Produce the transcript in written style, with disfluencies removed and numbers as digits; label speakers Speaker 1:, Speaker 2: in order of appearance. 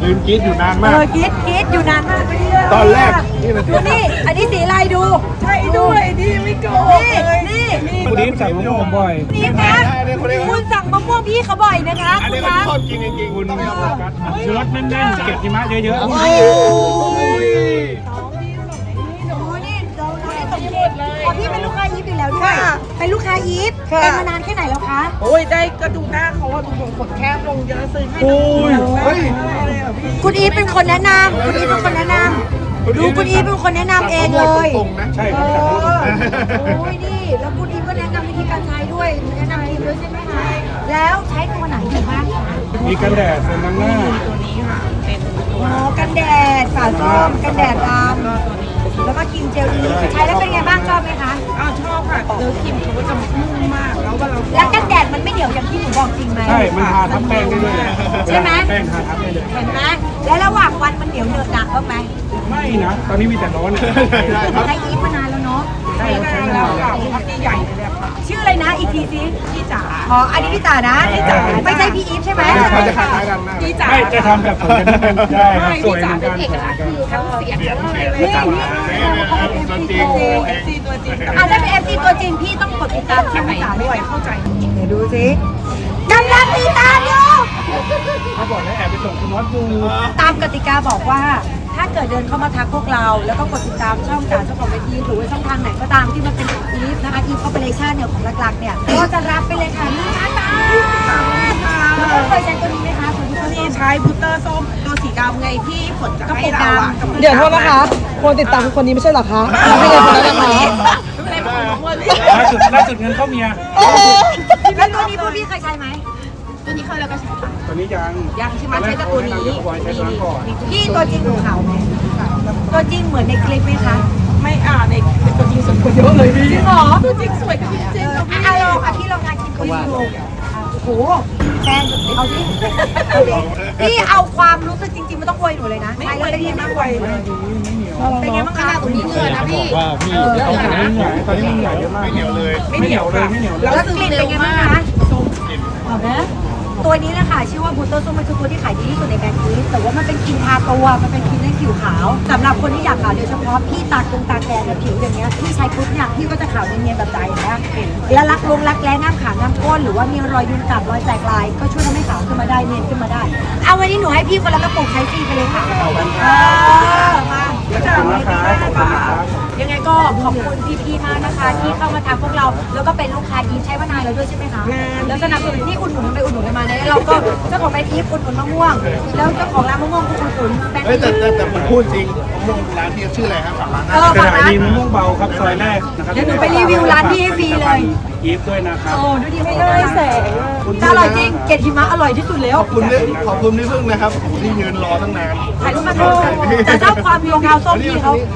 Speaker 1: ยืนกรี๊ดอยู่นานมาก
Speaker 2: กรี๊ดอยู่นานมาก
Speaker 1: ตอนแรกนี่นะ
Speaker 2: ดูนี่อันนี้สีอะไรดูใช่ด้วยนี่ไม่โกงนี่
Speaker 3: คุณดิฟสั่งมะม่วงบ่อย
Speaker 2: นี่คะคุณสั่งมะม่วงพี่เขาบ่อยนะคะ
Speaker 1: อัน
Speaker 2: คุ
Speaker 1: นี้
Speaker 2: ณ
Speaker 1: ก็
Speaker 2: คะ
Speaker 1: ชอบกินจริงๆ
Speaker 3: คุณชูรสแน่นๆเก็บหิมะเยอะ
Speaker 2: โอ้นี่เราตกเย็นเลยพี่เป็นลูกค้าอีฟอยู่แล้วด้วยเป็นลูกค้าอีฟเป็นมานานแค่ไหนแล้วคะ
Speaker 4: โอ้ยได้ก็ดูหน้าเขาว่าดูขนแคบลงเยอะซื้อให้ดู
Speaker 1: เฮ้ย
Speaker 2: คุณอีฟเป็นคนแนะนำคุณอีฟเป็นคนแนะนำดูคุณอีฟเป็นคนแนะนำเองเลย
Speaker 1: ตรงๆนะ
Speaker 3: ๆใช่ครับสั่งตรง
Speaker 2: โอ้ยนี่แล้วคุณอีฟก็แนะนำวิธีการใช้ด้วยแนะนำทีมด้วยใช่ไหมคะแล้วใช้ตัวไหนอยู่บ้างคะ
Speaker 3: มีกันแดดเซรั่มหน้า
Speaker 4: ตัวนี้ค่ะเป็น
Speaker 2: อ๋อกันแดดฝาส้มกันแดดดำแล้วก็ครีมเจลอีฟใช้แล้วเป็นไงบ้างชอบไหมคะ
Speaker 4: อ้าวชอบค่ะเนื้อครีมเขาจะนุ่มมากแล้วเวลา
Speaker 2: แล้วกันแดดมันไม่เหนียวอย่างที่หนูบอกจริงไหม
Speaker 3: ใช่มันทาทับแป้งได้ด้วย
Speaker 2: ใช่ไหม
Speaker 3: แป้งทาทับได้เลย
Speaker 2: เห็นไหมแล้วระหว่างวันมันเหนียวเหนอะหนักบ้างไหม
Speaker 3: ไม่นะตอนนี้มีแต่ร้อน
Speaker 2: ใช้อีฟมานานแล้วเนาะ
Speaker 4: ใช้งานแล้วค่ะพักใหญ่เลยเนี่ยค่ะ
Speaker 2: ชื่ออะไรนะอีกทีสิ
Speaker 4: พี่จ๋า
Speaker 2: อ๋ออันนี้พี่จ๋านะไม่ใช่พี่อีฟใช่ไหม
Speaker 1: เขาจะคล้ายๆกันมาก
Speaker 4: พี่จ๋า
Speaker 3: ไม่จะทำแบบสวยกันเป็นได้ครับสวยเหมือนกัน
Speaker 4: ทั้งเสียงทั้งอะไรเลย
Speaker 2: นี่
Speaker 1: ตัวจริง
Speaker 4: เอฟซีตัวจริง
Speaker 2: อ่ะถ้าเป็น FC ตัวจริงพี่ต้องกดติดตามช่องพี่จ๋าด้วย
Speaker 4: เข้าใจ
Speaker 2: เดี๋ยวดูสิกำลังติดตามอยู่
Speaker 3: เขาบอกแล้วแอบไปส่งคุณน็อตดู
Speaker 2: ตามกติกาบอกว่า ถ้าเกิดเดินเข้ามาทักพวกเรา แล้วก็กดติดตามช่องจ๋าเจ้าของเวทีหรือว่าช่องทางไหนก็ตามที่มันเป็นอีฟนะคะอีฟคอร์ปอเรชั่นเนี่ยของหลักๆเนี่ยก็จะรับไปเลยค่ะ1,000 บาทแล้วก็เคยใช้ตัวนี้ไหมคะคุณผู้ชม
Speaker 4: นี่ใช้พุตเตอร์ส้มตัวสีดำไงที่ฝนจะให้เราอ่ะ
Speaker 5: เดี๋ยวโทษนะคะ คนติดตามคนนี้ไม่ใช่เหรอคะไม่ใช่คนนั้นนะคะ
Speaker 3: ล่าสุดเงินเข้าเมีย
Speaker 2: แล้วตัวนี้พวกพี่เคยใช้ไหม
Speaker 4: ตัวนี้เคยแล้วก็ใช้
Speaker 3: ตอนนี้ยัง
Speaker 4: ยังใช่ไหมใช้แต่ตัวนี้
Speaker 3: บอยใช้ตัวนั้นก่อน
Speaker 2: พี่ตัวจริงของเขาไหมตัวจริงเหมือนในคลิปไหมคะ
Speaker 4: ไม่ในตัวจริงสวยกว่าเยอะเลยพี่
Speaker 2: จริงเหรอ
Speaker 4: ตัวจริงสวยกว่าจริง
Speaker 2: อ่ะลองพี่ลองทานกินคุยดูโอ้โหแฟนเอาสิพี่เอาความรู้สึกจริงๆไม่ต้องอวยหนูเลยนะ
Speaker 4: ไม่
Speaker 2: ใช้
Speaker 4: ไหว
Speaker 2: แล้วเป็น
Speaker 4: ดี
Speaker 2: ยังไง
Speaker 4: ไม่ไหว
Speaker 2: เป็นไงบ้างคะตรงนี้เงินนะพี่
Speaker 1: ว่าพี่
Speaker 3: ตอนนี้ใหญ่ตอนนี้มันใหญ่เยอะมาก
Speaker 1: ไม่เหนียวเลย
Speaker 3: ไม่เหนียวเลยไม่เหนียวเลย
Speaker 2: แล้วกลิ่นเป็นไงบ้างคะเอาไหมตัวนี้แหละค่ะชื่อว่าบูเตอร์ส้มมันคือตัวที่ขายดีที่สุดในแบรนด์นี้แต่ว่ามันเป็นครีมทาตัวมันเป็นครีมให้ผิวขาวสำหรับคนที่อยากขาวโดยเฉพาะพี่ตาแดงเนี่ยผิวอย่างเงี้ยพี่ใช้ปุ๊บเนี่ยพี่ก็จะขาวเนียนๆแบบใจนะแล้วรักแร้ง่ามขาง่ามก้นหรือว่ามีรอยยุงกัดรอยแตกลายก็ช่วยทำให้ขาวขึ้นมาได้เนียนขึ้นมาได้เอาวันนี้หนูให้พี่คนละกระปุกใช้ฟรีไปเลยค่ะมา
Speaker 3: ขอบคุณนะครับขอบคุณนะครับ
Speaker 2: ยังไงก็ขอบคุณพี่ๆมากนะคะ ที่เข้ามาทำพวกเราแล้วก็เป็นลูกค้าอีฟใช้มานานแล้วด้วยใช่ไหมคะแล้วสนับสนุนที่อุดหนุนไปอุดหนุนกันมาเนี่ยเราก็เจ้าของแบรนด์อีฟอุดหนุนมะม่วงแล้วเจ้าของร้านมะม่วงก็อุดหนุนแบรนด์
Speaker 1: เฮ้ย
Speaker 2: อีฟ
Speaker 1: แต่ผมพูดจริงมงร้านที่ชื่ออะไรครับฝากร้าน
Speaker 3: สถานีมะม่วงเบาครับซอยแรกนะครับ
Speaker 2: เดี๋ยวหนูไปรีวิวร้านพี่ให้ฟรีเลย
Speaker 3: อีฟด้วยนะครับ
Speaker 2: โอ้ดูดีไม่ได้แสงจะอร่อยจริงเกล็ดหิมะอร่อยที่สุดแล้ว
Speaker 1: ขอบคุณพี่พึ่งนะครับที่ยืนรอตั้งนาน
Speaker 2: ถ่ายรูปมาเถอะแต่ชอบความรองเท้าส้มพี่เขา